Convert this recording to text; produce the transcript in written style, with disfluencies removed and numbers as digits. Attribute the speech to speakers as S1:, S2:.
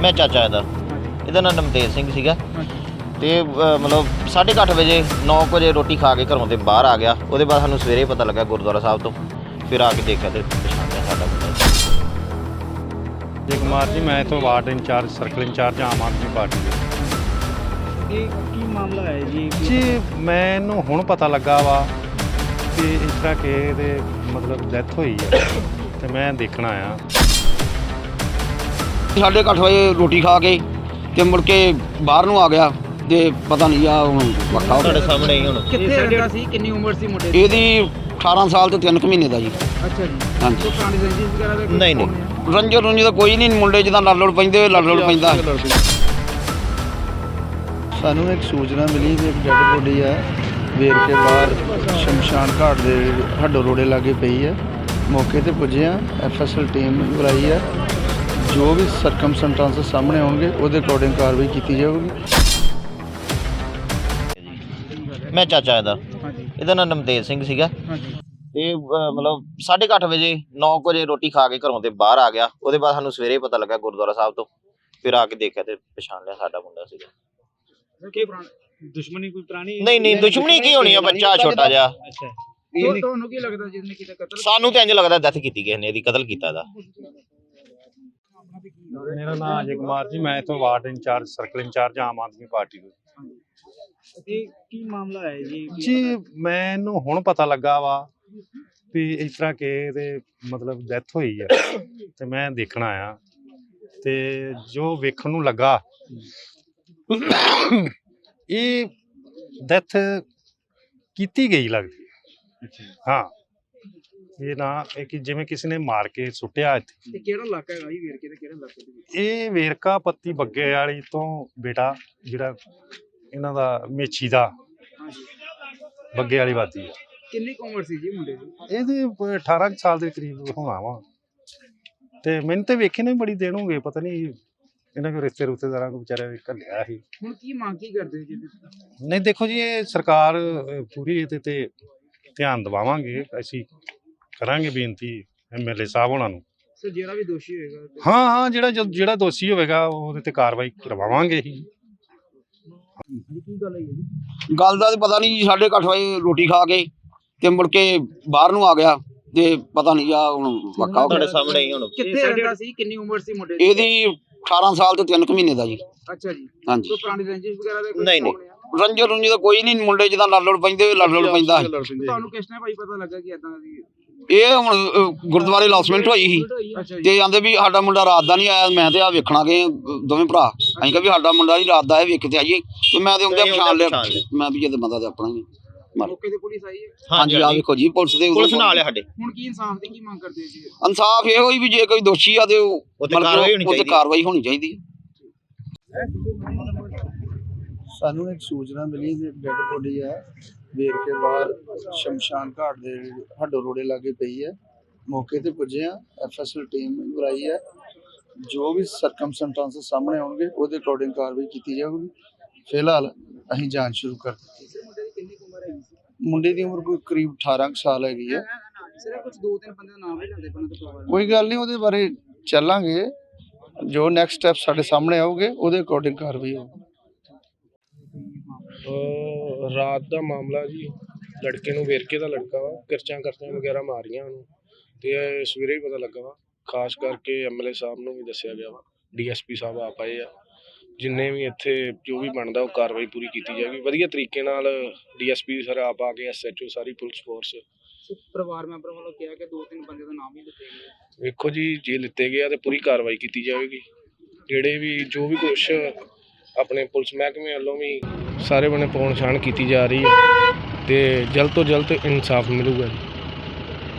S1: मैं चाचा ਇਹਦਾ ਨਾਮ ਨਮਤੇਜ ਸਿੰਘ ਸੀਗਾ ਤੇ ਮਤਲਬ 8:30 ਵਜੇ 9 ਵਜੇ ਰੋਟੀ ਖਾ ਕੇ ਘਰੋਂ ਤੇ ਬਾਹਰ ਆ ਗਿਆ। ਉਹਦੇ ਬਾਅਦ ਸਾਨੂੰ ਸਵੇਰੇ ਪਤਾ ਲੱਗਾ ਗੁਰਦੁਆਰਾ ਸਾਹਿਬ ਤੋਂ, ਫਿਰ ਆ ਕੇ ਦੇਖਿਆ ਤੇ ਪਛਾਣਿਆ ਸਾਡਾ ਮੁੰਡਾ।
S2: ਜੀ ਕੁਮਾਰ ਜੀ, ਮੈਂ ਤੋਂ ward incharge circle incharge Aam Aadmi party ਦੇ।
S3: ਇਹ ਕੀ ਮਾਮਲਾ ਹੈ ਜੀ?
S2: ਜੀ ਮੈਨੂੰ ਹੁਣ ਪਤਾ ਲੱਗਾ ਵਾ ਕਿ ਇਸ ਤਰ੍ਹਾਂ ਕਿ ਇਹਦੇ ਮਤਲਬ ਡੈਥ ਹੋਈ ਹੈ ਤੇ ਮੈਂ ਦੇਖਣ ਆਇਆ।
S4: 8:30 ਵਜੇ ਰੋਟੀ ਖਾ ਕੇ ਤੇ ਮੁੜ ਕੇ ਬਾਹਰ ਨੂੰ ਆ ਗਿਆ ਤੇ ਪਤਾ ਨਹੀਂ ਆ ਹੁਣ ਵੱਖਾ
S1: ਤੁਹਾਡੇ ਸਾਹਮਣੇ ਹੀ ਹੁਣ
S3: ਕਿੱਥੇ ਰਹਿੰਦਾ ਸੀ? ਕਿੰਨੀ ਉਮਰ ਸੀ ਮੁੰਡੇ ਦੀ?
S4: ਇਹਦੀ 18 ਸਾਲ ਤੇ 3 ਮਹੀਨੇ ਦਾ ਜੀ।
S3: ਅੱਛਾ ਜੀ।
S4: ਹਾਂਜੀ।
S3: ਕੋਈ ਪੁਰਾਣੀ ਰੰਜਿਸ਼ ਵਗੈਰਾ ਦਾ?
S1: ਨਹੀਂ।
S4: ਰੰਜੋ ਰੁੰਜੀ ਦਾ ਕੋਈ ਨਹੀਂ, ਮੁੰਡੇ ਜਿੱਦਾਂ ਲੜ ਪੈਂਦੇ ਲੜ ਪੈਂਦਾ।
S5: ਸਾਨੂੰ ਇੱਕ ਸੂਚਨਾ ਮਿਲੀ ਕਿ ਇੱਕ ਡੈਡ ਬੋਡੀ ਹੈ ਵੇਰਕੇ ਬਾਹਰ ਸ਼ਮਸ਼ਾਨ ਘਾਟ ਦੇ ਹੱਡੋ ਰੋੜੇ ਲਾਗੇ ਪਈ ਹੈ। ਮੌਕੇ ਤੇ ਪੁੱਜੇ ਆ, ਐਫਐਸਐਲ ਟੀਮ ਬੁਲਾਈ ਹੈ। ਜੋ ਵੀ ਸਰਕਮਸਟੈਂਸਸ ਸਾਹਮਣੇ ਆਉਣਗੇ ਉਹਦੇ ਅਕੋਰਡਿੰਗ ਕਾਰਵਾਈ ਕੀਤੀ ਜਾਊਗੀ।
S1: ਮੈਂ ਚਾਚਾ
S3: ਹਾਂਜੀ।
S1: ਇਹਦਾ ਨਾਮ ਨਮਤੇਜ ਸਿੰਘ ਸੀਗਾ
S3: ਹਾਂਜੀ।
S1: ਤੇ ਮਤਲਬ 8:30 ਵਜੇ 9 ਵਜੇ ਰੋਟੀ ਖਾ ਕੇ ਘਰੋਂ ਤੇ ਬਾਹਰ ਆ ਗਿਆ। ਉਹਦੇ ਬਾਅਦ ਸਾਨੂੰ ਸਵੇਰੇ ਪਤਾ ਲੱਗਾ ਗੁਰਦੁਆਰਾ ਸਾਹਿਬ ਤੋਂ, ਫਿਰ ਆ ਕੇ ਦੇਖਿਆ ਤੇ ਪਛਾਣ ਲਿਆ ਸਾਡਾ ਮੁੰਡਾ ਸੀਗਾ।
S3: ਕੀ ਪੁਰਾਣੀ ਦੁਸ਼ਮਣੀ ਕੋਈ ਪੁਰਾਣੀ?
S1: ਨਹੀਂ ਦੁਸ਼ਮਣੀ ਕੀ ਹੋਣੀ ਆ, ਬੱਚਾ ਛੋਟਾ ਜਿਹਾ।
S3: ਅੱਛਾ। ਤੁਹਾਨੂੰ ਕੀ ਲੱਗਦਾ ਜਿਹਨੇ ਕੀਤਾ ਕਤਲ?
S1: ਸਾਨੂੰ ਤੇ ਇੰਜ ਲੱਗਦਾ ਡੈਥ ਕੀਤੀ ਕਿਸੇ ਨੇ, ਇਹਦੀ ਕਤਲ ਕੀਤਾ ਇਹਦਾ।
S2: ਮੇਰਾ ਨਾਮ ਅਜੇ ਕੁਮਾਰ ਜੀ, ਮੈਂ ਤੋਂ ward incharge circle incharge Aam Aadmi party ਦੇ।
S3: ਇਹ ਕੀ ਮਾਮਲਾ ਹੈ ਜੀ?
S2: ਜੀ ਮੈਨੂੰ ਹੁਣ ਪਤਾ ਲੱਗਾ ਵਾ ਵੀ ਇਸ ਤਰ੍ਹਾਂ ਕਿ ਇਹਦੇ ਮਤਲਬ ਡੈਥ ਹੋਈ ਹੈ ਤੇ ਮੈਂ ਦੇਖਣ ਆਇਆ ਤੇ ਜੋ ਵੇਖਣ ਨੂੰ ਲੱਗਾ ਇਹ ਡੈਥ ਕੀਤੀ ਗਈ ਲੱਗਦੀ ਹੈ। ਹਾਂ, ਇਹ ਨਾ ਇਹ ਕਿ ਜਿਵੇਂ ਕਿਸੇ ਨੇ ਮਾਰ ਕੇ ਸੁੱਟਿਆ ਇੱਥੇ।
S3: ਇਹ ਕਿਹੜਾ ਇਲਾਕਾ ਹੈਗਾ ਜੀ ਵੇਰਕੇ ਦਾ? ਕਿਹੜਾ ਇਲਾਕਾ ਦੇ ਵਿੱਚ?
S2: ਇਹ ਵੇਰਕਾ ਪੱਤੀ ਬੱਗੇ ਵਾਲੀ ਤੋਂ ਬੇਟਾ ਜਿਹੜਾ ਇਹਨਾਂ ਦਾ ਮੇਛੀ ਦਾ ਬੱਗੇ ਵਾਲੀ ਵਾਦੀ ਹੈ।
S3: ਕਿੰਨੀ ਕੁ ਉਮਰ ਸੀ ਜੀ ਮੁੰਡੇ ਦੀ?
S2: ਇਹਦੇ 18 ਕੁ ਸਾਲ ਦੇ ਕਰੀਬ ਹੋਣਾ ਵਾ ਤੇ ਮੈਨੂੰ ਤੇ ਵੇਖੇ ਨੇ ਬੜੀ ਦੇਰ ਹੋ ਗਏ, ਪਤਾ ਨਹੀਂ ਇਹਨਾਂ ਕੋ ਰਿਸ਼ਤੇਦਾਰਾਂ ਕੋ ਵਿਚਾਰੇ ਘੱਲਿਆ ਸੀ।
S3: ਹੁਣ ਕੀ ਮੰਗ ਕੀ ਕਰਦੇ ਜੀ?
S2: ਨਹੀਂ ਦੇਖੋ ਜੀ, ਇਹ ਸਰਕਾਰ ਪੂਰੀ ਇਹਦੇ ਤੇ ਧਿਆਨ ਦਿਵਾਵਾਂਗੇ, ਅਸੀਂ ਕਰਾਂਗੇ ਬੇਨਤੀ ਐਮਐਲਏ ਸਾਹਿਬ ਉਹਨਾਂ ਨੂੰ।
S3: ਸਰ ਜਿਹੜਾ ਵੀ ਦੋਸ਼ੀ ਹੋਏਗਾ?
S2: ਹਾਂ ਜਿਹੜਾ ਦੋਸ਼ੀ ਹੋਵੇਗਾ ਉਹਦੇ ਤੇ ਕਾਰਵਾਈ ਕਰਵਾਵਾਂਗੇ ਹੀ।
S3: ਕੀ ਗੱਲ ਹੈ ਜੀ?
S4: ਗੱਲ ਦਾ ਤਾਂ ਪਤਾ ਨਹੀਂ ਜੀ। 8:30 ਵਜੇ ਰੋਟੀ ਖਾ ਕੇ ਤੇ ਮੁੜ ਕੇ ਬਾਹਰ ਨੂੰ ਆ ਗਿਆ ਤੇ ਪਤਾ ਨਹੀਂ ਆ ਹੁਣ ਵੱਖਾ
S1: ਤੁਹਾਡੇ ਸਾਹਮਣੇ ਹੀ ਹੁਣ
S3: ਕਿੱਥੇ ਰਹਿੰਦਾ ਸੀ? ਕਿੰਨੀ ਉਮਰ ਸੀ ਮੁੰਡੇ ਦੀ?
S4: ਇਹਦੀ 18 ਸਾਲ ਤੇ 3 ਮਹੀਨੇ ਦਾ ਜੀ।
S3: ਅੱਛਾ ਜੀ।
S4: ਹਾਂਜੀ।
S3: ਕੋਈ ਪੁਰਾਣੀ ਰੰਜਿਸ਼ ਵਗੈਰਾ ਦਾ?
S1: ਨਹੀਂ।
S4: ਰੰਜੋ ਰੁੰਜੀ ਦਾ ਕੋਈ ਨਹੀਂ, ਮੁੰਡੇ ਜਿੱਦਾਂ ਲੜ ਪੈਂਦੇ ਲੜ ਪੈਂਦਾ।
S3: ਤੁਹਾਨੂੰ ਕਿਸ ਨੇ ਭਾਈ ਪਤਾ ਲੱਗਾ ਕਿ ਇਦਾਂ ਦੀ?
S4: ਇਹ ਹੁਣ ਗੁਰਦੁਆਰੇ ਅਨਾਉਂਸਮੈਂਟ ਹੋਈ ਸੀ
S3: ਅੱਛਾ ਜੀ।
S4: ਤੇ ਆਂਦੇ ਵੀ ਸਾਡਾ ਮੁੰਡਾ ਰਾਤ ਦਾ ਨਹੀਂ ਆਇਆ। ਮੈਂ ਤੇ ਆ ਵੇਖਣਾ ਗਏ ਦੋਵੇਂ ਭਰਾ। ਅਸੀਂ ਕਿਹਾ ਵੀ ਸਾਡਾ ਮੁੰਡਾ ਜੀ ਰਾਤ ਦਾ ਹੈ, ਵੇਖ ਕੇ ਆਈਏ। ਤੇ ਮੈਂ ਤੇ ਉਹਦੇ ਪਛਾਣ ਲਿਆ। ਮੈਂ ਵੀ ਇਹਦੇ ਬੰਦਾ ਤੇ ਆਪਣਾ ਹੀ
S3: ਮੌਕੇ ਤੇ ਪੁਲਿਸ ਆਈ ਹੈ?
S4: ਹਾਂਜੀ। ਆ ਵੇਖੋ ਜੀ, ਪੁਲਿਸ
S1: ਨਾਲ ਆ ਸਾਡੇ।
S3: ਹੁਣ ਕੀ ਇਨਸਾਫ ਦੀ ਕੀ ਮੰਗ ਕਰਦੇ ਜੀ?
S4: ਇਨਸਾਫ ਇਹੋ ਹੀ ਵੀ ਜੇ ਕੋਈ ਦੋਸ਼ੀ ਆ ਤੇ ਉਹ ਕਾਰਵਾਈ ਹੋਣੀ ਚਾਹੀਦੀ ਹੈ।
S5: ਸਾਨੂੰ ਇੱਕ ਸੂਚਨਾ ਮਿਲੀ ਕਿ ਇੱਕ ਡੈਡ ਬੋਡੀ ਹੈ ਵੇਰਕੇ ਬਾਹਰ ਸ਼ਮਸ਼ਾਨ ਘਾਟ ਦੇ ਹੱਡੋ ਰੋੜੇ ਲਾਗੇ ਪਈ ਹੈ। ਮੌਕੇ ਤੇ ਪੁੱਜੇ ਆ, ਐਫਐਸਐਲ ਟੀਮ ਬੁਲਾਈ ਹੈ। ਜੋ ਵੀ ਸਰਕਮਸਟੈਂਸਸ ਸਾਹਮਣੇ ਆਉਣਗੇ ਉਹਦੇ ਅਕੋਰਡਿੰਗ ਕਾਰਵਾਈ ਕੀਤੀ ਜਾਊਗੀ। ਫਿਲਹਾਲ ਅਸੀਂ ਜਾਂਚ ਸ਼ੁਰੂ ਕਰ ਦਿੱਤੀ।
S3: ਕਿੰਨੀ ਉਮਰ ਹੈ?
S5: ਮੁੰਡੇ ਦੀ ਉਮਰ ਕੋਈ ਕਰੀਬ 18 ਸਾਲ ਹੈਗੀ ਹੈ।
S3: ਸਿਰਫ ਕੁਝ 2-3 ਬੰਦੇ ਦਾ ਨਾਮ ਵੀ ਲੈਂਦੇ ਪਣ ਤੋਂ?
S5: ਕੋਈ ਗੱਲ ਨਹੀਂ, ਉਹਦੇ ਬਾਰੇ ਚੱਲਾਂਗੇ। ਜੋ ਨੈਕਸਟ ਸਟੈਪ ਸਾਡੇ ਸਾਹਮਣੇ ਆਉਗੇ ਉਹਦੇ ਅਕੋਰਡਿੰਗ ਕਾਰਵਾਈ ਹੋਊਗੀ।
S6: ਰਾਤ ਦਾ ਮਾਮਲਾ ਜੀ, ਲੜਕੇ ਨੂੰ ਵੇਰਕੇ ਦਾ ਲੜਕਾ ਵਾ, ਕਿਰਚਾਂ ਵਗੈਰਾ ਮਾਰੀਆਂ ਉਹਨੂੰ ਤੇ ਸਵੇਰੇ ਹੀ ਪਤਾ ਲੱਗਾ ਵਾ। ਖਾਸ ਕਰਕੇ ਐਮਐਲਏ ਸਾਹਿਬ ਨੂੰ ਵੀ ਦੱਸਿਆ ਗਿਆ ਵਾ, ਡੀਐਸਪੀ ਸਾਹਿਬ ਆਪ ਆਏ ਆ। ਜਿੰਨੇ ਵੀ ਇੱਥੇ ਜੋ ਵੀ ਬਣਦਾ ਉਹ ਕਾਰਵਾਈ ਪੂਰੀ ਕੀਤੀ ਜਾਏਗੀ ਵਧੀਆ ਤਰੀਕੇ ਨਾਲ। ਡੀਐਸਪੀ ਸਰ ਆਪ ਆ ਕੇ, ਐਸਐਚਓ, ਸਾਰੀ ਪੁਲਿਸ ਫੋਰਸ।
S3: ਪਰਿਵਾਰ ਮੈਂਬਰ ਵੱਲੋਂ ਕਿਹਾ ਕਿ 2-3 ਬੰਦੇ ਦਾ ਨਾਮ ਹੀ ਲਿੱਤੇ ਗਏ।
S6: ਵੇਖੋ ਜੀ, ਜੇ ਲਿੱਤੇ ਗਿਆ ਤੇ ਪੂਰੀ ਕਾਰਵਾਈ ਕੀਤੀ ਜਾਵੇਗੀ। ਜਿਹੜੇ ਵੀ ਜੋ ਵੀ ਕੁਛ ਆਪਣੇ ਪੁਲਿਸ ਮਹਿਕਮੇ ਵੱਲੋਂ ਵੀ ਸਾਰੇ ਬਣੇ ਪਹੁੰਚਾਣ ਕੀਤੀ ਜਾ ਰਹੀ ਹੈ ਤੇ ਜਲਦ ਤੋਂ ਜਲਦ ਇਨਸਾਫ ਮਿਲੂਗਾ ਜੀ।